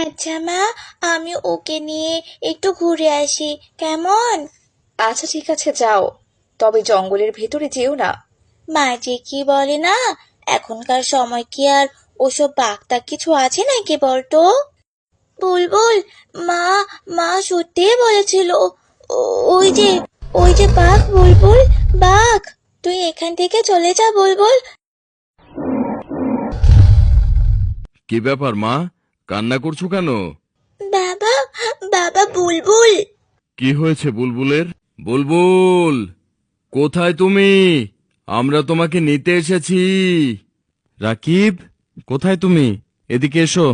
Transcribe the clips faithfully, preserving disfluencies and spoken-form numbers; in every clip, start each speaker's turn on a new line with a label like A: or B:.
A: আচ্ছা মা, আমি ওকে নিয়ে একটু ঘুরে আসি, কেমন?
B: আচ্ছা ঠিক আছে, যাও, তবে জঙ্গলের ভেতরে যেও না।
A: মা যে কি বলে না, এখনকার সময় কি আর ওসব বাগদা কিছু আছে নাকি বলতো? বুলবুল, মা মা সত্যিই বলেছিল, ও- ওই যে ওই যে বাঘ, বুলবুল, বাঘ। তুই এখান থেকে চলে যা বুলবুল।
C: কি ব্যাপার মা, কান্না করছো কেন?
A: বাবা, বাবা, বুলবুল।
C: কি হয়েছে বুলবুলের? বুলবুল, কোথায় তুমি? আমরা তোমাকে নিতে এসেছি। রাকিব, কোথায় তুমি? এদিকে এসো।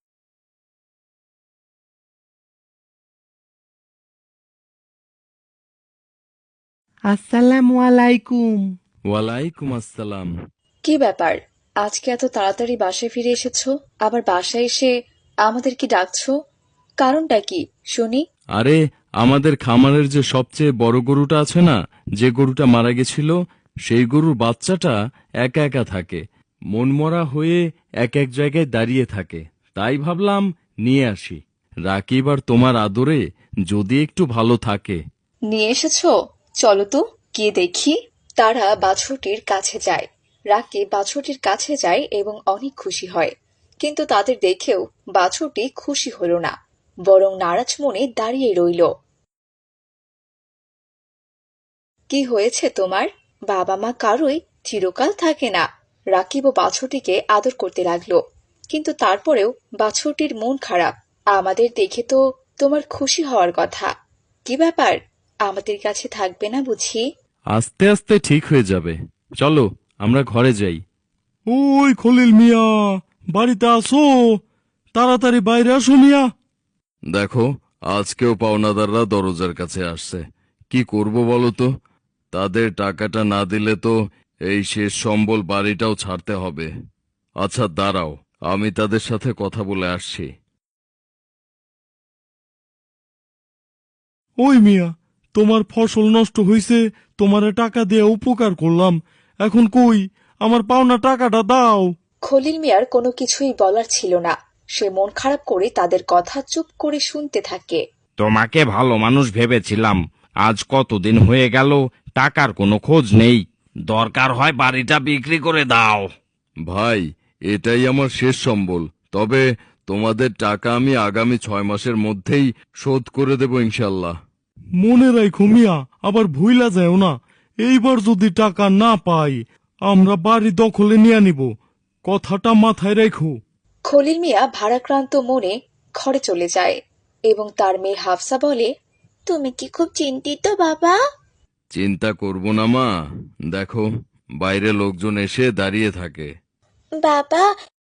D: আসসালামু আলাইকুম।
C: ওয়ালাইকুম আসসালাম।
B: কি ব্যাপার, আজকে এত তাড়াতাড়ি বাসায় ফিরে এসেছো? আবার বাসায় এসে আমাদের কি ডাকছো? কারণটা কি শুনি।
C: আরে, আমাদের খামারের যে সবচেয়ে বড় গরুটা আছে না, যে গরুটা মারা গেছিল, সেই গরুর বাচ্চাটা একা একা থাকে, মনমরা হয়ে এক এক জায়গায় দাঁড়িয়ে থাকে। তাই ভাবলাম নিয়ে আসি। রাকিব আর তোমার আদরে যদি একটু ভালো থাকে।
B: নিয়ে এসেছো? চলো তো, গিয়ে দেখি। তারা বাছুরটির কাছে যায়। রাকিব বাছুরটির কাছে যায় এবং অনেক খুশি হয়। কিন্তু তাদের দেখেও বাছুরটি খুশি হলো না, বরং নারাজ মনে দাঁড়িয়ে রইল। কি হয়েছে তোমার? বাবা মা কারোই চিরকাল থাকে না। রাকিব ও বাছুরটিকে আদর করতে লাগলো, কিন্তু তারপরেও বাছুরটির মন খারাপ। আমাদের দেখে তো তোমার খুশি হওয়ার কথা। কি ব্যাপার, আমাদের কাছে থাকবে না বুঝি?
C: আস্তে আস্তে ঠিক হয়ে যাবে। চলো, আমরা ঘরে যাই।
D: ওই খলিল মিয়া, বাড়িতে আসো, তাড়াতাড়ি বাইরে আসো মিয়া।
C: দেখো, আজকেও পাওনাদাররা দরজার কাছে আসছে। কি করব বলো তো? তাদের টাকাটা না দিলে তো এই শেষ সম্বল বাড়িটাও ছাড়তে হবে। আচ্ছা দাঁড়াও, আমি তাদের সাথে কথা বলে আসছি।
D: ওই মিয়া, তোমার ফসল নষ্ট হইছে, তোমারে টাকা দিয়ে উপকার করলাম, এখন কই আমার পাওনা টাকাটা দাও।
B: খলিল মিয়ার কোনো কিছুই বলার ছিল না। সে মন খারাপ করে তাদের কথা চুপ করে শুনতে থাকে।
E: তোমাকে ভালো মানুষ ভেবেছিলাম, আজ কতদিন হয়ে গেল, টাকার কোনো খোঁজ নেই। দরকার হয় বাড়িটা বিক্রি করে দাও।
C: ভাই, এটাই আমার শেষ সম্বল। তবে তোমাদের টাকা আমি আগামী ছয় মাসের মধ্যেই শোধ করে দেব ইনশাল্লাহ।
D: মনে রাখো মিয়া, আবার ভুইলা যাও না। এইবার যদি টাকা না পাই, আমরা বাড়ি দখলে নিয়ে নিব, কথাটা মাথায় রেখো।
B: খলিল মিয়া ভারাক্রান্ত মনে ঘরে চলে যায় এবং তার মেয়ে হাফসা বলে,
A: তুমি কি খুব চিন্তিত বাবা?
C: চিন্তা করব না মা, দেখো বাইরে লোকজন এসে দাঁড়িয়ে থাকে।
A: বাবা,